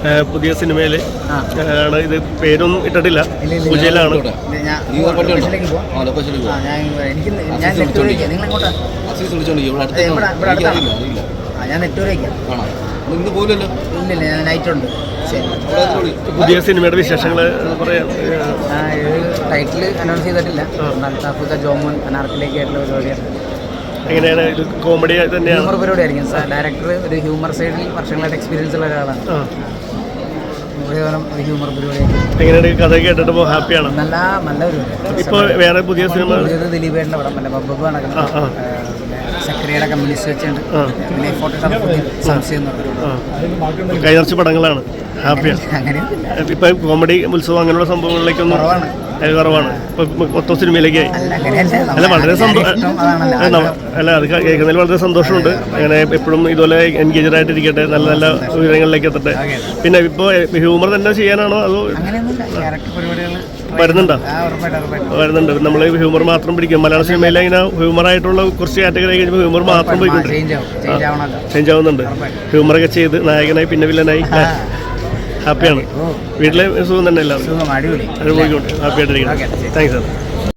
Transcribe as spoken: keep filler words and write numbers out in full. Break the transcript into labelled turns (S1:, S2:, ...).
S1: പുതിയ സിനിമയിൽ ആണ്. ഇത് പേരൊന്നും ഇട്ടിട്ടില്ല, പൂജയിലാണ്. പുതിയ സിനിമയുടെ വിശേഷങ്ങൾ പറയാം.
S2: ടൈറ്റിൽ അനൗൺസ് ചെയ്തിട്ടില്ല. അൽത്താഫുക ജോമോൻ അനാർക്കിലേക്ക് ആയിട്ടുള്ള പരിപാടിയാണ്.
S1: എങ്ങനെയാണ് ഇത്? കോമഡി തന്നെയാണ്,
S2: ഹ്യൂമർ പരിപാടി ആയിരിക്കും. ഡയറക്ടർ ഒരു ഹ്യൂമർ സൈഡിൽ വർഷങ്ങളായിട്ട് എക്സ്പീരിയൻസ് ഉള്ള ഒരാളാണ്. ഒരു ഹ്യൂമർ പരിപാടി.
S1: എങ്ങനെയാണ് കഥ കേട്ടിട്ട് ഹാപ്പിയാണ്?
S2: നല്ല നല്ല പരിപാടി.
S1: ഇപ്പോൾ വേറെ പുതിയ സിനിമ
S2: ദിലീപേട്ടൻ്റെ പടം, പിന്നെ ബബ്ബു നടക്കുന്നത്, സക്രിയയുടെ കമ്മ്യൂണിസ്റ്റ് വെച്ചുണ്ട്, പിന്നെ ഫോട്ടോ സംശയം എന്ന് പറയുന്നത്
S1: കൈനർച്ച പടങ്ങളാണ്. ഹാപ്പിയാണ്. ഇപ്പൊ കോമഡി ഉത്സവം അങ്ങനെയുള്ള സംഭവങ്ങളിലേക്കൊന്നും കുറവാണ്. ഇപ്പൊ മൊത്തം സിനിമയിലേക്കായി. അല്ല, വളരെ അല്ല അത് കേൾക്കുന്നതിൽ വളരെ സന്തോഷമുണ്ട്. അങ്ങനെ എപ്പോഴും ഇതുപോലെ എൻഗേജഡ് ആയിട്ടിരിക്കട്ടെ, നല്ല നല്ല വിവരങ്ങളിലേക്ക് എത്തട്ടെ. പിന്നെ ഇപ്പോൾ ഹ്യൂമർ തന്നെ ചെയ്യാനാണോ അതോ വരുന്നുണ്ടോ? വരുന്നുണ്ട്. നമ്മൾ ഹ്യൂമർ മാത്രം പിടിക്കും. മലയാള സിനിമയിൽ ഇങ്ങനെ ഹ്യൂമറായിട്ടുള്ള കുറച്ച് കാറ്റഗറി കഴിയുമ്പോൾ ഹ്യൂമർ മാത്രം പോയിക്കൊണ്ട് ചേഞ്ച് ആവുന്നുണ്ട്. ഹ്യൂമറൊക്കെ ചെയ്ത് നായകനായി പിന്നെ വില്ലനായി ഹാപ്പിയാണ്. വീട്ടിലെ സുഖം തന്നെ എല്ലാവരും. ഹാപ്പി ആയിട്ടിരിക്കണം. Thanks sir.